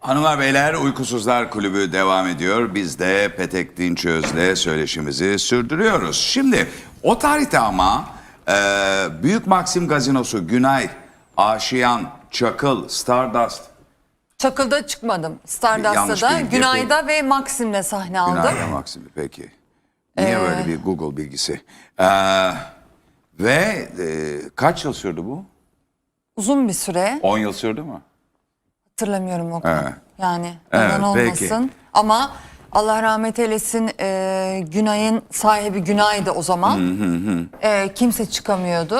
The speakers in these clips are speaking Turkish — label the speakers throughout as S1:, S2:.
S1: Hanımlar beyler, Uykusuzlar Kulübü devam ediyor. Biz de Petek Dinçöz'le söyleşimizi sürdürüyoruz. Şimdi o tarihte ama Büyük Maxim Gazinosu, Günay, Aşiyan, Çakıl, Stardust.
S2: Çakıl'da çıkmadım.
S1: Yanlış
S2: Stardust'ta da,
S1: bilgi.
S2: Günay'da ve Maxim'le sahne aldım.
S1: Günay'la Maxim'i peki. Niye böyle bir Google bilgisi? Ve kaç yıl sürdü bu?
S2: Uzun bir süre.
S1: 10 yıl sürdü mü?
S2: Hatırlamıyorum o kadar.
S1: Evet.
S2: Yani
S1: Evet,
S2: yalan olmasın.
S1: peki.
S2: Ama Allah rahmet eylesin, Günay'ın sahibi Günay'dı o zaman. Kimse çıkamıyordu.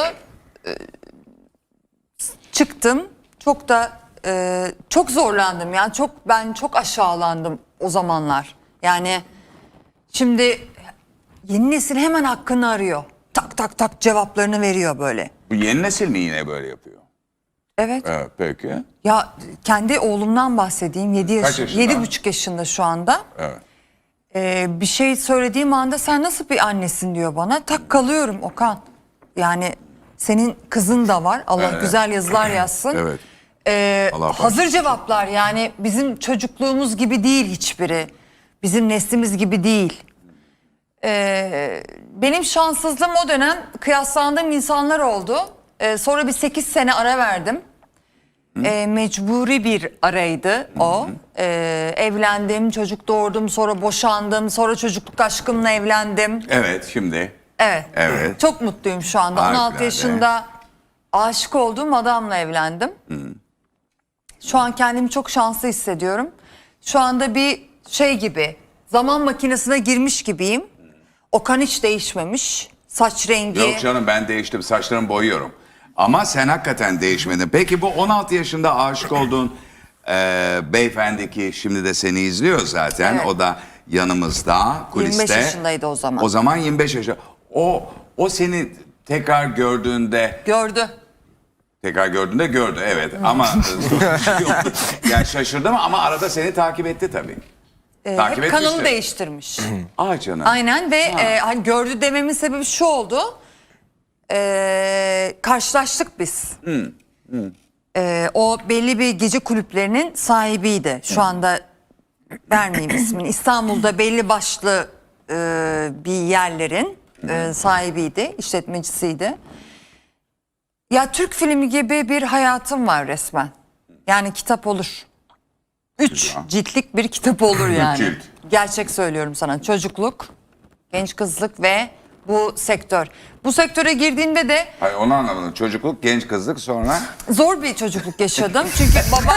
S2: Çıktım. Çok da çok zorlandım. Yani ben çok aşağılandım o zamanlar. Yani şimdi yeni nesil hemen hakkını arıyor. Tak tak tak cevaplarını veriyor böyle.
S1: Bu yeni nesil mi yine böyle yapıyor?
S2: Evet.
S1: Evet, peki.
S2: Ya kendi oğlumdan bahsedeyim.
S1: Kaç yaşında?
S2: 7,5 yaşında şu anda.
S1: Evet.
S2: Bir şey söylediğim anda sen nasıl bir annesin diyor bana. Tak kalıyorum Okan. Yani senin kızın da var. Allah güzel yazılar yazsın.
S1: Evet. Allah
S2: Hazır
S1: bağışlasın.
S2: cevaplar, yani bizim çocukluğumuz gibi değil hiçbiri. Bizim neslimiz gibi değil. Benim şanssızlığım o dönem kıyaslandığım insanlar oldu. Sonra bir 8 sene ara verdim. Mecburi bir araydı o. Evlendim, çocuk doğurdum, sonra boşandım, sonra çocukluk aşkımla evlendim.
S1: Evet, şimdi.
S2: Evet.
S1: Evet.
S2: Çok mutluyum şu anda.
S1: Harikulade.
S2: 16 yaşında aşık olduğum adamla evlendim. Şu an kendimi çok şanslı hissediyorum. Şu anda bir şey gibi, zaman makinesine girmiş gibiyim. Okan hiç değişmemiş. Saç rengi.
S1: Yok canım, ben değiştim, saçlarımı boyuyorum. Ama sen hakikaten değişmedin. Peki bu 16 yaşında aşık olduğun beyefendi ki şimdi de seni izliyor zaten.
S2: Evet.
S1: O da yanımızda, kuliste.
S2: 25 yaşındaydı o zaman.
S1: O zaman 25 yaşında. O seni tekrar gördüğünde...
S2: Gördü.
S1: Tekrar gördüğünde gördü, evet. Ama yani şaşırdı mı? Ama arada seni takip etti tabii. Takip
S2: Hep kanalı
S1: etmiştir.
S2: değiştirmiş.
S1: Ah canım.
S2: Aynen ve hani gördü dememin sebebi şu oldu. Karşılaştık biz. O belli bir gece kulüplerinin sahibiydi. Şu anda vermeyeyim ismini. İstanbul'da belli başlı bir yerlerin sahibiydi, işletmecisiydi. Ya Türk filmi gibi bir hayatım var resmen. Yani kitap olur. 3 ciltlik bir kitap olur yani.
S1: cilt.
S2: Gerçek söylüyorum sana. Çocukluk, genç kızlık ve bu sektör. Bu sektöre girdiğimde de
S1: Hayır, onu anlamadım. Çocukluk, genç kızlık, sonra...
S2: zor bir çocukluk yaşadım. Çünkü babam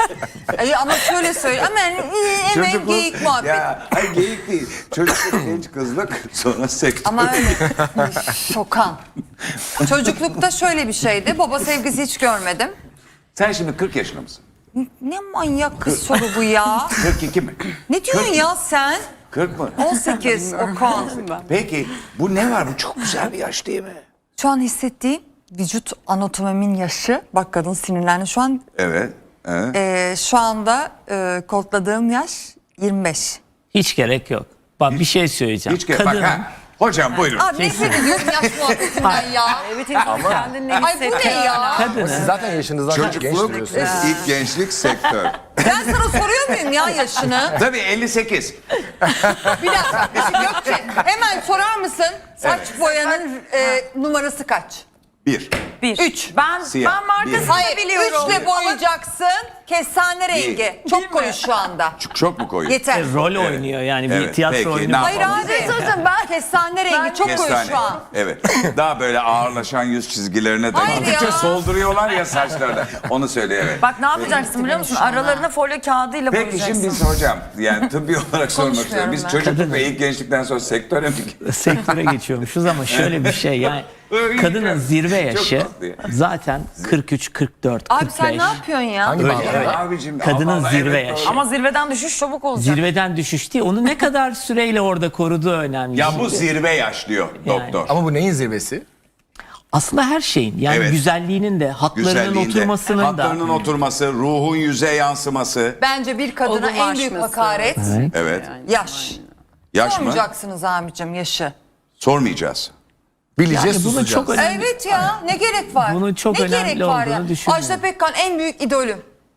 S2: ama şöyle söyleyeyim. Hemen geyik muhabbet.
S1: Ya, hayır geyik değil. Çocukluk, genç kızlık, sonra sektör.
S2: Ama öyle şokan. Çocuklukta şöyle bir şeydi. Baba sevgisi hiç görmedim.
S1: Sen şimdi 40 yaşında mısın?
S2: Ne manyak kız soru bu ya.
S1: 42 mi?
S2: Ne diyorsun ya sen?
S1: 40 mı?
S2: 18 Okan.
S1: Peki bu ne var? Bu çok güzel bir yaş değil mi?
S2: Şu an hissettiğim vücut anatomimin yaşı. Bak kadın sinirlendi. Şu an
S1: Evet. Evet.
S2: şu anda kodladığım yaş 25.
S3: Hiç gerek yok. Bak bir şey söyleyeceğim.
S1: Hiç bak ha. Hocam buyurun.
S2: Abi nefret ediyorum yaş muhabbetinden ya.
S4: Evet, ama kendin ne
S2: Ay bu ne ya?
S3: kadının
S5: Zaten yaşınızdan çok genç
S1: Çocukluk,
S5: duruyorsunuz.
S1: ilk gençlik, sektör.
S2: Ben sana soruyor muyum ya yaşını?
S1: Tabii 58.
S2: Bir dakika. Gökçe hemen sorar mısın? Saç boyanın numarası kaç?
S1: 1.
S2: 3.
S4: Ben
S1: Siyah.
S4: markasını
S2: Hayır,
S4: biliyorum.
S2: 3'le boyayacaksın. Kestane rengi. Çok koyu şu anda.
S1: Çok mu koyu?
S2: Yeter.
S3: rol oynuyor yani bir
S1: Evet,
S3: tiyatro
S1: peki,
S3: oyunu.
S1: ne
S2: Hayır
S1: yapalım?
S2: abi. Ben kestane rengi çok koyu
S1: Kestane.
S2: şu an.
S1: Evet. Daha böyle ağırlaşan yüz çizgilerine de
S2: Hayır
S1: gittikçe
S2: ya.
S1: solduruyorlar ya saçlarda. Onu söyle, evet.
S4: Bak ne yapacaksın biliyor musun?
S2: şu an ha.
S4: Aralarına folyo kağıdıyla
S1: Peki
S4: boyayacaksın.
S1: şimdi biz hocam, yani tıbbi olarak sormak istiyorum. Biz
S2: Konuşmuyorum
S1: çocukluk ve ilk gençlikten sonra sektöre mi
S3: Sektöre geçiyormuşuz ama şöyle bir şey yani kadının zirve yaşı
S1: tatlı ya.
S3: zaten 43, 44,
S2: Abi
S3: 45.
S2: sen ne yapıyorsun ya?
S5: Hangi bağlamda?
S1: Abicim,
S3: Kadının
S1: Allah Allah,
S3: zirve
S1: evet,
S3: yaşı.
S1: doğru.
S4: Ama zirveden düşüş çabuk olacak.
S3: Zirveden düşüş değil. Onu ne kadar süreyle orada koruduğu önemli.
S1: Ya bu zirve yaş diyor doktor.
S5: Ama bu neyin zirvesi?
S3: Aslında her şeyin yani
S1: Evet.
S3: güzelliğinin de hatlarının
S1: Güzelliğinde,
S3: oturmasının da.
S1: hatlarının oturması, ruhun yüze yansıması.
S2: Bence bir kadına en büyük
S4: Olgunlaşması.
S2: hakaret
S1: Evet.
S2: yaş.
S1: Yaş mı?
S2: Sormayacaksınız abicim yaşı.
S1: Sormayacağız.
S5: Bileceğiz,
S3: Yani bunu
S5: susacağız.
S3: çok önemli.
S2: Evet ya, ne gerek var?
S3: Bunun çok
S2: ne
S3: önemli
S2: gerek var ya?
S3: olduğunu düşünüyorum.
S2: Ajda Pekkan en büyük idolüm.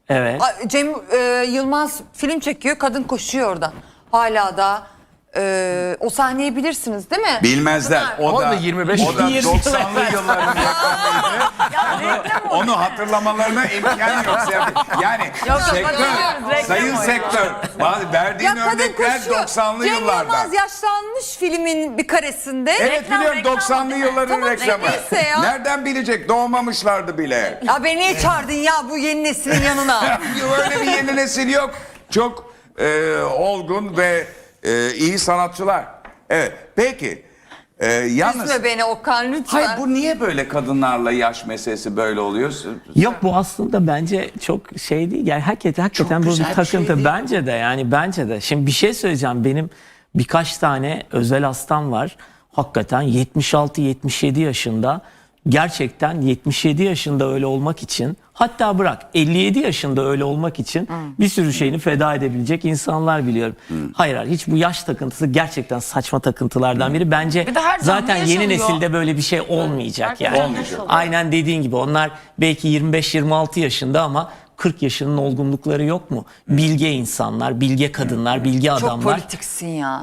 S3: Evet.
S2: Cem Yılmaz film çekiyor, kadın koşuyor orada. Hala da o sahneyi bilirsiniz değil mi?
S1: Bilmezler.
S5: O da 25
S1: o da
S3: 20
S1: 90'lı yılların yakınıydı. Onu hatırlamalarına imkan yok. Yani sektör,
S4: hatırlıyoruz,
S1: sayın
S4: reklam
S1: sektör. Verdiğin
S2: Ya kadın
S1: örnekler
S2: koşuyor.
S1: 90'lı
S2: Cem
S1: yıllarda.
S2: Yılmaz yaşlanmış filmin bir karesinde.
S1: Evet biliyorum 90'lı yılların
S2: Tamam,
S1: reklamı.
S2: neyse ya.
S1: Nereden bilecek? Doğmamışlardı bile.
S2: Ya beni niye çağırdın ya bu yeni neslin yanına?
S1: Öyle bir yeni nesil yok. Çok olgun ve iyi sanatçılar. Evet. Peki. Yalnız...
S2: Üzme beni Okan lütfen.
S1: Hayır bu niye böyle kadınlarla yaş meselesi böyle oluyor?
S3: Yok bu aslında bence çok şey değil. Yani hakikaten bu
S1: güzel
S3: bir
S1: bir
S3: takıntı.
S1: şey değil.
S3: Bence de yani bence de. Şimdi bir şey söyleyeceğim. Benim birkaç tane özel hastam var. Hakikaten 76-77 yaşında. Gerçekten 77 yaşında öyle olmak için, hatta bırak 57 yaşında öyle olmak için bir sürü şeyini feda edebilecek insanlar biliyorum. Hayır hiç bu yaş takıntısı gerçekten saçma takıntılardan biri. Bence
S4: Bir de her
S3: zaten
S4: canlı
S3: yeni
S4: yaşanıyor.
S3: nesilde böyle bir şey olmayacak yani.
S1: Olmayacak.
S3: Aynen dediğin gibi onlar belki 25-26 yaşında ama 40 yaşının olgunlukları yok mu? Bilge insanlar, bilge kadınlar, bilge
S2: Çok
S3: adamlar.
S2: politiksin ya.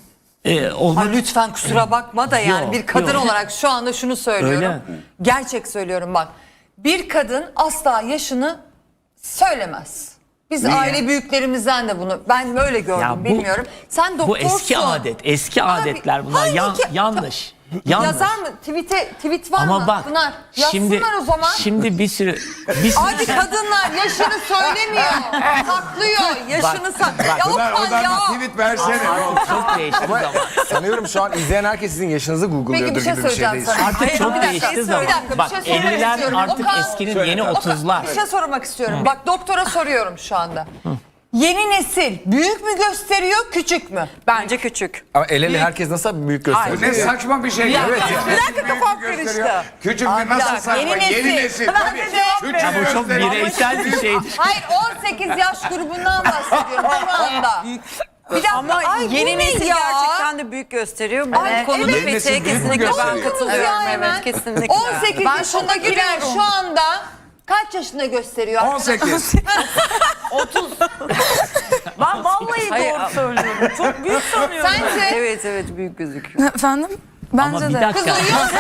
S3: Olmak
S2: Ay lütfen kusura bakma da yani
S3: Yok,
S2: bir kadın
S3: yok.
S2: olarak şu anda şunu söylüyorum.
S3: Öyle.
S2: Gerçek söylüyorum bak. Bir kadın asla yaşını söylemez. Biz
S1: Niye?
S2: aile büyüklerimizden de bunu ben böyle gördüm
S3: Ya bu-
S2: bilmiyorum. Sen doktorsun.
S3: bu eski adet, eski
S2: Abi,
S3: adetler bunlar
S2: halbuki-
S3: yanlış. Yanlış.
S2: Yazar mı? Tweet var
S3: Ama
S2: mı?
S3: bak
S2: Pınar, yazsınlar
S3: şimdi
S2: o zaman.
S3: şimdi bir sürü
S2: Abi kadınlar yaşını söylemiyor. Saklıyor. Yaşını saklıyor. Ya
S1: Pınar
S2: Okan
S1: oradan
S2: ya.
S1: bir tweet versene. ne olur.
S3: çok değişti zaman.
S5: Sanıyorum şu an izleyen herkes sizin yaşınızı
S2: Peki
S5: google'lıyordur
S2: bir şey
S5: gibi bir
S2: söyleyeceğim
S5: şeydeyiz.
S2: sana.
S3: Artık
S2: Hayır,
S3: çok
S2: bir dakika,
S3: değişti
S2: bir
S3: zaman.
S2: dakika, bir
S3: Bak
S2: şey söylemek
S3: 50'ler
S2: istiyorum.
S3: artık
S2: Okan,
S3: eskinin yeni 30'lar.
S2: Bir şey sormak istiyorum. Bak doktora soruyorum şu anda. Yeni nesil büyük mü gösteriyor, küçük mü?
S4: Bence küçük.
S5: Ama el ele herkes nasıl büyük
S1: Bu
S5: gösteriyor?
S1: ne saçma bir şey. Evet.
S2: Bir dakika kafam karıştı.
S1: Küçük
S2: Abi,
S1: bir nasıl
S2: bir dakika,
S1: saçma?
S2: yeni
S1: Yeni
S2: nesil.
S1: nesil.
S2: Ben
S1: Tabii.
S2: de cevap
S1: Küçük
S2: veriyorum.
S3: Bu çok
S1: gösteriyor.
S3: bireysel bir şeydir.
S2: Hayır 18 yaş grubundan bahsediyorum şu anda. Bir dakika,
S4: Ama
S2: ay,
S4: yeni
S2: bu ne
S4: nesil
S2: ya?
S4: gerçekten de büyük gösteriyor. Bu
S2: Ay,
S4: konuda
S2: evet.
S1: Yeni nesil
S4: Pete'ye
S1: büyük mü
S4: kesinlikle ben
S1: gösteriyor?
S4: katılıyorum.
S2: Ya hemen.
S4: Evet kesinlikle.
S2: 18
S4: Ben
S2: yaşındakiler şu anda kaç yaşında gösteriyor?
S1: 18.
S4: Ben vallahi doğru söylüyorum. Çok büyük sanıyorum.
S2: Sence?
S4: Evet büyük gözüküyor.
S6: Efendim?
S3: Ama
S6: Bence
S3: bir
S6: de.
S3: dakika.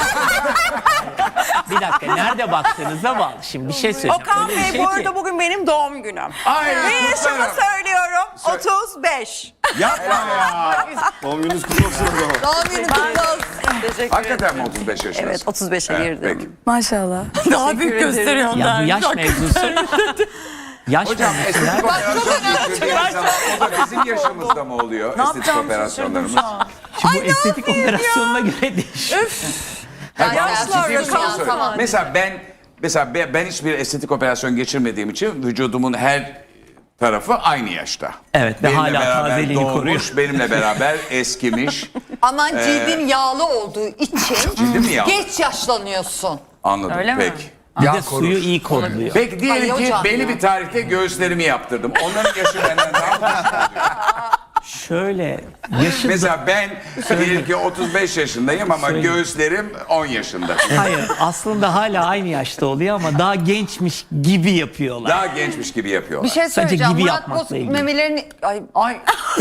S3: Bir dakika nerede baktığınıza bağlı. Şimdi bir şey söyleyeceğim.
S7: Okan
S3: Öyle bir
S7: Bey
S3: şey
S7: bu
S3: ki-
S7: arada bugün benim doğum günüm.
S1: Ay,
S7: Ve yaşımı
S1: kutlarım.
S7: söylüyorum. 35.
S1: Yapma ya.
S2: Doğum günü kutlu olsun.
S4: Teşekkür
S1: Hakikaten mi 35 yaşındasın?
S4: Evet 35'e
S1: Evet,
S4: girdim.
S1: peki.
S6: Maşallah.
S7: Daha büyük gösteriyor
S3: Ya bu yaş mevzusu. Yaş
S1: Hocam
S3: mevzusu.
S1: estetik operasyon geçirdiğiniz zaman o da bizim yaşımızda mı oluyor? Estetik operasyonlarımız.
S3: Şimdi bu estetik operasyonuna göre değişiyor.
S1: Hayır,
S2: Yaşlar
S1: ciddi bir soru
S2: rakam
S1: soruyorum.
S2: falan.
S1: Mesela ben hiçbir estetik operasyon geçirmediğim için vücudumun her tarafı aynı yaşta.
S3: Evet ve
S1: Benimle
S3: hala
S1: beraber
S3: tazeliğini
S1: doğmuş,
S3: koruyor.
S1: benimle beraber eskimiş.
S2: Aman cildin yağlı olduğu için
S1: Cildim mi yağlı?
S2: geç yaşlanıyorsun.
S1: Anladım.
S4: Öyle mi?
S1: Peki.
S3: Bir
S5: Yağ
S3: de
S5: korur.
S3: suyu iyi kodluyor.
S1: Peki diyelim
S2: Ay
S1: ki
S2: hocam
S1: belli
S2: ya.
S1: bir tarihte göğüslerimi yaptırdım. Onların yaşı benden daha
S3: Şöyle yaşı
S1: Mesela ben diyelim ki 35 yaşındayım ama
S3: Söyle.
S1: göğüslerim 10 yaşında.
S3: hayır aslında hala aynı yaşta oluyor ama daha gençmiş gibi yapıyorlar.
S1: Daha gençmiş gibi yapıyorlar.
S2: Bir şey
S3: Sadece
S2: söyleyeceğim.
S3: gibi
S2: Murat
S3: yapmakla
S2: Bozkurt
S3: ilgili.
S2: memelerini... Ay.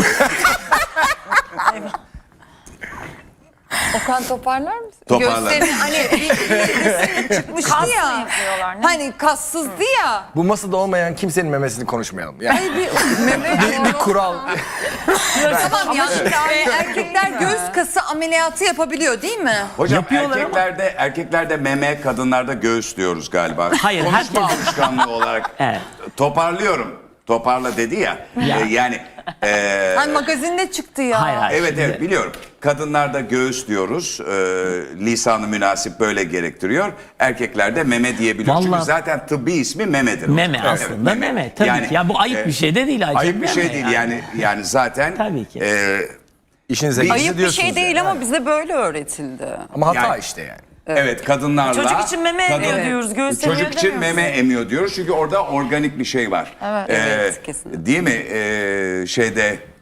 S2: Okan toparlar mısın?
S1: Toparlarım.
S2: Göğüslerini hani bir resim çıkmıştı
S4: Kas mı
S2: ya.
S4: yapıyorlar, ne?
S2: Hani kassızdı ya.
S5: Bu masada olmayan kimsenin memesini konuşmayalım. Yani
S2: Meme
S5: bir kural.
S2: Tamam ya. Erkekler göğüs kası ameliyatı yapabiliyor değil mi?
S1: Hocam
S3: Yapıyorlar ama-
S1: erkeklerde meme, kadınlarda göğüs diyoruz galiba.
S3: Hayır,
S1: Konuşma
S3: herkes-
S1: alışkanlığı olarak.
S3: Evet.
S1: Toparlıyorum. Toparla dedi ya.
S3: Ya.
S1: Yani
S2: Hani magazinde çıktı ya.
S3: Hayır.
S1: evet
S3: şimdi-
S1: biliyorum. Kadınlarda göğüs diyoruz. Lisanı münasip böyle gerektiriyor. Erkeklerde meme diyebiliyoruz. Çünkü
S3: Vallahi-
S1: zaten tıbbi ismi memedir.
S3: Meme
S1: Evet,
S3: aslında meme. Tabii ki. Ya bu ayıp bir şey de değil.
S1: Ayıp bir şey
S3: meme
S1: değil
S3: yani.
S1: yani zaten.
S3: Tabii ki.
S5: İşinize
S1: Ayıp
S5: gizli
S7: Ayıp bir
S5: diyorsunuz
S7: şey değil
S5: yani.
S7: ama bize böyle öğretildi.
S5: Ama hata
S1: Yani-
S5: işte yani.
S1: Evet kadınlarla.
S7: Çocuk için meme emiyor diyoruz, göğüs emiyor
S1: Çocuk için
S7: demiyoruz.
S1: meme emiyor diyoruz çünkü orada organik bir şey var.
S7: Evet, kesinlikle.
S1: Değil mi? Şeyde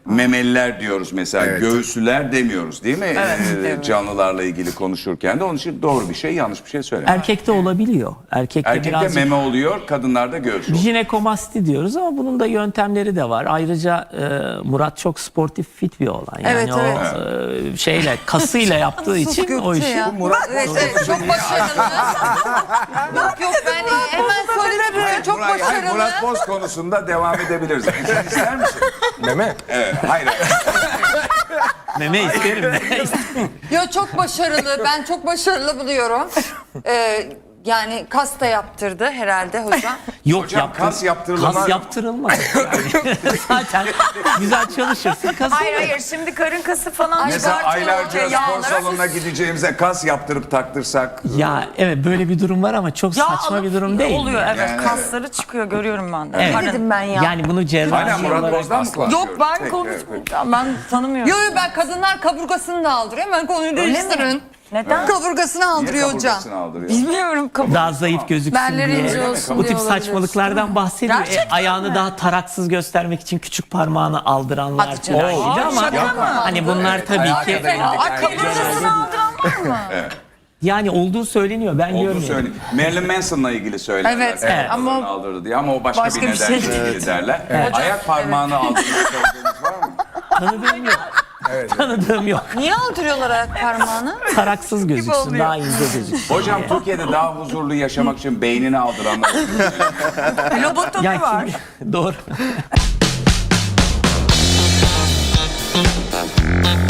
S1: memeliler diyoruz mesela.
S5: Evet.
S1: Göğüslüler demiyoruz değil mi? Canlılarla ilgili konuşurken de onun için doğru bir şey, yanlış bir şey söyleme.
S3: Erkekte olabiliyor. Erkekte
S1: Erkekte
S3: birazcık
S1: meme oluyor, kadınlarda göğüs oluyor.
S3: jinekomasti diyoruz ama bunun da yöntemleri de var. Ayrıca Murat çok sportif fit bir olan. Yani
S2: Evet,
S3: o
S2: evet.
S3: şeyle kasıyla yaptığı için o
S2: Gökçe
S3: işi
S2: ya.
S5: Murat
S2: Evet, evet, çok başarılı. Yok ben hemen söyledim. Çok
S1: Hayır,
S2: başarılı.
S1: Murat Boz konusunda devam edebiliriz. Sen ister misin?
S5: meme.
S1: Evet, hayır.
S3: meme isterim.
S2: Yo çok başarılı. Ben çok başarılı buluyorum. Yani kas da yaptırdı herhalde hocam.
S3: Yok
S1: Hocam, kas yaptırılmaz
S3: Kas
S1: mı?
S3: yaptırılmaz. Yani zaten güzel çalışırsın kas
S4: Hayır
S3: olur.
S4: hayır şimdi karın kası falan
S1: Mesela
S4: çıkartıyor.
S1: aylarca spor
S4: Yağlara-
S1: salonuna gideceğimize kas yaptırıp taktırsak.
S3: Ya evet böyle bir durum var ama çok
S4: Yağ
S3: saçma
S4: alıp
S3: bir durum değil.
S4: Oluyor
S3: yani.
S4: evet
S1: Yani
S4: kasları çıkıyor görüyorum ben de.
S3: Evet.
S4: Karın-
S2: Dedim ben ya.
S3: Yani bunu cerrahi
S1: Hala Murat
S3: olarak
S1: Boz'dan mı konuşuyoruz?
S4: Yok ben
S1: Peki,
S4: konuş
S1: evet.
S4: ben tanımıyorum.
S2: Yo ben kadınlar kaburgasını da aldırıyor. Hemen konuyu değiştirin.
S4: Neden?
S2: Kaburgasını
S1: Niye
S2: aldırıyor hocam.
S1: kaburgasını aldırıyor?
S4: Bilmiyorum.
S3: daha zayıf gözüksün
S2: Belleri
S3: diye.
S2: ince olsun
S3: Bu
S2: diye
S3: tip
S2: olabilir.
S3: saçmalıklardan bahsediyor.
S4: Gerçekten
S3: Ayağını
S4: mi?
S3: daha taraksız göstermek için küçük parmağını aldıranlar
S2: Hadi canım.
S3: falan gibi ama
S4: şaka mı?
S3: hani bunlar tabii
S5: ayağa
S3: ki
S5: kadar indik.
S4: Ay kaburgasını aldıran var mı?
S3: yani olduğu söyleniyor. Ben
S1: Olduğunu
S3: görmüyorum.
S1: söyleyeyim. Marilyn Manson'la ilgili söylerler.
S2: Evet,
S3: evet.
S1: Ama
S2: Ama
S1: aldırdı diye ama o başka
S2: başka
S1: bir
S2: bir
S1: nedenle
S2: şey.
S1: ilgili derler. Ayak parmağını aldığını söylediğiniz var mı?
S3: Tanıdığım yok. Tanıdığım yok.
S2: niye aldırıyorlar ayak parmağını?
S3: Taraksız gözüksün,
S2: oluyor.
S3: daha ince gözüksün.
S1: Hocam Türkiye'de daha huzurlu yaşamak için beynini aldıranlar.
S4: Lobotomi
S3: Ya
S4: var.
S3: doğru.